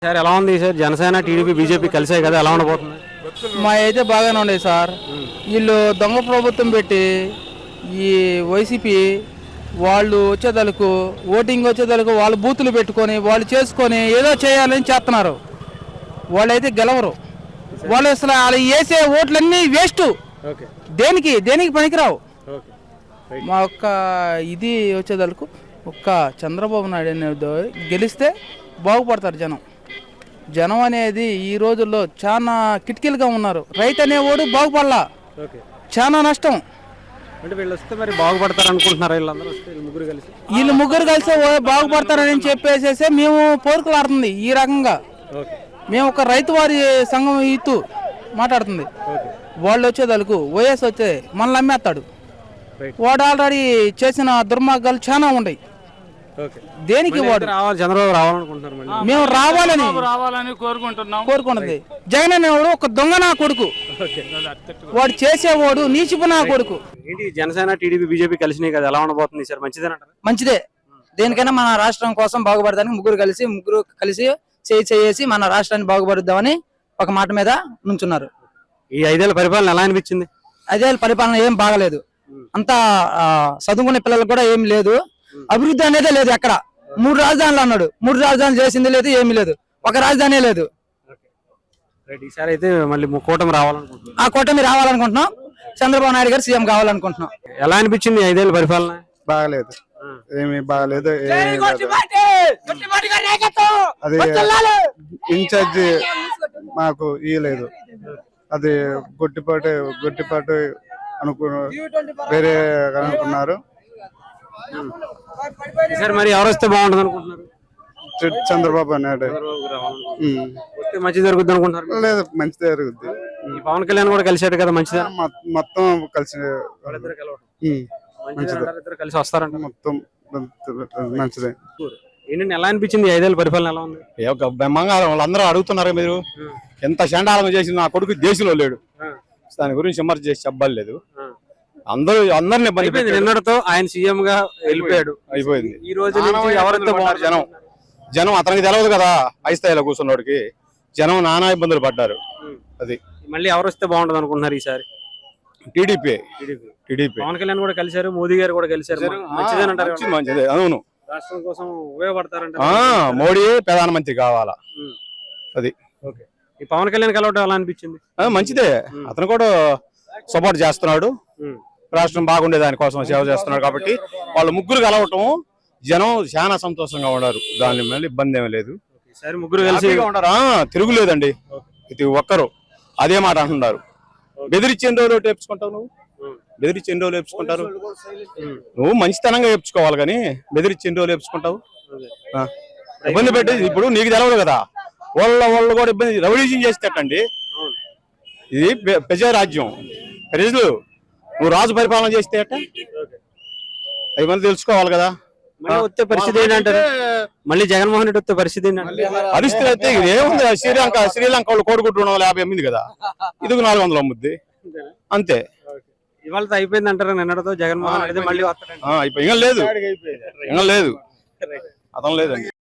Sir ఎలా ఉంది sir? Janasena TDP BJP కలిసాయి కదా, ఎలా ఉండబోతుంది? మా అయితే బాగానే ఉండేది సార్. వీళ్ళు దొంగ ప్రభుత్వం పెట్టి ఈ వైసీపీ వాళ్ళు వచ్చేదలకు ఓటింగ్ వచ్చేదలకు వాళ్ళు బూతులు పెట్టుకొని వాళ్ళు చేసుకొని ఏదో చేయాలని చేస్తున్నారు. వాళ్ళైతే గెలవరు. వాళ్ళు అసలు వాళ్ళు వేసే ఓట్లన్నీ వేస్ట్. దేనికి దేనికి పనికిరావు. మా ఒక్క ఇది వచ్చేదలకు ఒక్క చంద్రబాబు నాయుడు అనేది గెలిస్తే బాగుపడతారు జనం. జనం అనేది ఈ రోజుల్లో చాలా కిటికీలుగా ఉన్నారు. రైతు అనేవాడు బాగుపడలా, చాలా నష్టం. అంటే వీళ్ళు వస్తే మరి బాగుపడతారు అనుకుంటున్నారు. వీళ్ళు ముగ్గురు కలిసి బాగుపడతారని చెప్పేసేసి మేము పోరుకులాడుతుంది. ఈ రకంగా మేము ఒక రైతు వారి సంఘం ఇత్తు మాట్లాడుతుంది. వాళ్ళు వచ్చేదలకు వైఎస్ వచ్చే మనల్ని అమ్మేస్తాడు. వాడు ఆల్రెడీ చేసిన దుర్మార్గాలు చాలా ఉన్నాయి. దేనికి వాడు చంద్రబాబు రావాలనుకుంటున్నారు. మేము రావాలని కోరుకుంటుంది. జగన్ అనేవాడు ఒక దొంగ నా కొడుకు. వాడు చేసేవాడు నీచిపు నా కొడుకు. ఏంటి జనసేన టీడీపీ బీజేపీ కలిసినాయి కదా, ఎలా ఉండబోతుంది సార్? మంచిదేనంటారా? మంచిదే. దేనికైనా మన రాష్ట్రం కోసం బాగుపడడానికి ముగ్గురు కలిసి చేసి మన రాష్ట్రాన్ని బాగుపడుద్దామని ఒక మాట మీద నుంచున్నారు. ఈ 5 ఏళ్ల పరిపాలన ఎలా అనిపించింది? 5 ఏళ్ల పరిపాలన ఏం బాగలేదు. అంతా చదువుకునే పిల్లలకు కూడా ఏం లేదు. అభివృద్ధి అనేదే లేదు. ఎక్కడ 3 రాజధానులు అన్నాడు. 3 రాజధానులు చేసింది లేదు, ఏమీ లేదు. ఒక రాజధాని లేదు. ఈసారి అయితే మళ్ళీ కూటమి రావాలనుకుంటున్నాం. ఆ కూటమి రావాలనుకుంటున్నాం. చంద్రబాబు నాయుడు గారు సీఎం కావాలనుకుంటున్నాం. ఎలా అనిపించింది 5 ఏళ్ల పరిపాలన? బాగలేదు, ఏమి బాగలేదు. అది ఇన్ఛార్జి మాకు ఇయ్యలేదు. అది గొట్టిపాటు వేరే అనుకున్నారు. సార్ మరి ఎవరు వస్తే బాగుంటుంది అనుకుంటున్నారు? చంద్రబాబు నాయుడు మంచి జరుగుద్ది అనుకుంటున్నారు? లేదు, మంచి జరుగుద్ది. పవన్ కళ్యాణ్ కూడా కలిసాడు కదా, మంచిదా? మొత్తం కలిసి కలిసి వస్తారంట. మొత్తం మంచిదే. ఏంటంటే ఎలా అనిపించింది 5 ఏళ్ల పరిపాలన ఎలా ఉంది? బంగారం వాళ్ళందరూ అడుగుతున్నారు. మీరు ఎంత చండాలం చేసి నా కొడుకు దేశంలో లేడు, దాని గురించి విమర్శ చేసి చెప్పలేదు. అందరిని నిన్నటితో ఆయన సీఎం గా వెళ్ళిపోయాడు, అయిపోయింది. ఈ రోజు ఎవరితో జనం అతనికి తెలియదు కదా. ఐస్థాయిలో కూర్చున్నోడికి జనం నానా ఇబ్బందులు పడ్డారు. అది మళ్ళీ ఎవరు వస్తే బాగుంటది అనుకుంటున్నారు ఈసారి? టీడీపీ. పవన్ కళ్యాణ్ కూడా కలిశారు, మోదీ గారు కూడా కలిశారు. మంచిదే. అవును, రాష్ట్రం కోసం ఉపయోగపడతారంట. మోడీ ప్రధానమంత్రి కావాలా. అది ఈ పవన్ కళ్యాణ్ కలవటం ఎలా అనిపించింది? మంచిదే. అతను కూడా సపోర్ట్ చేస్తున్నాడు. రాష్ట్రం బాగుండే దానికోసం సేవ చేస్తున్నాడు. కాబట్టి వాళ్ళు ముగ్గురు కలవటం జనం చాలా సంతోషంగా ఉన్నారు. దాని మళ్ళీ ఇబ్బంది ఏమీ లేదు. ముగ్గురు కలిసి ఉంటారా? తిరుగులేదండి. ప్రతి ఒక్కరు అదే మాట అంటున్నారు. బెదిరించి ఎన్ని రోజులు వేపించుకుంటావు? బెదిరించి ఎన్ని రోజులు వేపించుకుంటారు? నువ్వు మంచితనంగా వేపించుకోవాలి కానీ బెదిరించి ఎన్ని రోజులు వేపించుకుంటావు? ఇబ్బంది పెట్టి ఇప్పుడు నీకు తెలవదు కదా. వాళ్ళు కూడా ఇబ్బంది రెవల్యూషన్ చేసేటండి. ఇది ప్రజారాజ్యం. ప్రజలు నువ్వు రాజు పరిపాలన చేస్తే అట్ట ఇవన్నీ తెలుసుకోవాలి కదా. వచ్చే పరిస్థితి ఏంటంటారు? మళ్ళీ జగన్మోహన్ రెడ్డి వచ్చే పరిస్థితి పరిస్థితి అయితే ఏముంది? శ్రీలంక వాళ్ళు కోడిగుడ్డు 250 అమ్మింది కదా, ఇది 400 అమ్ముద్ది అంతే. ఇవాళ అయిపోయింది అంటారు. నిన్నటితో జగన్మోహన్ రెడ్డి మళ్ళీ అయిపోయి లేదు, అతను లేదండి.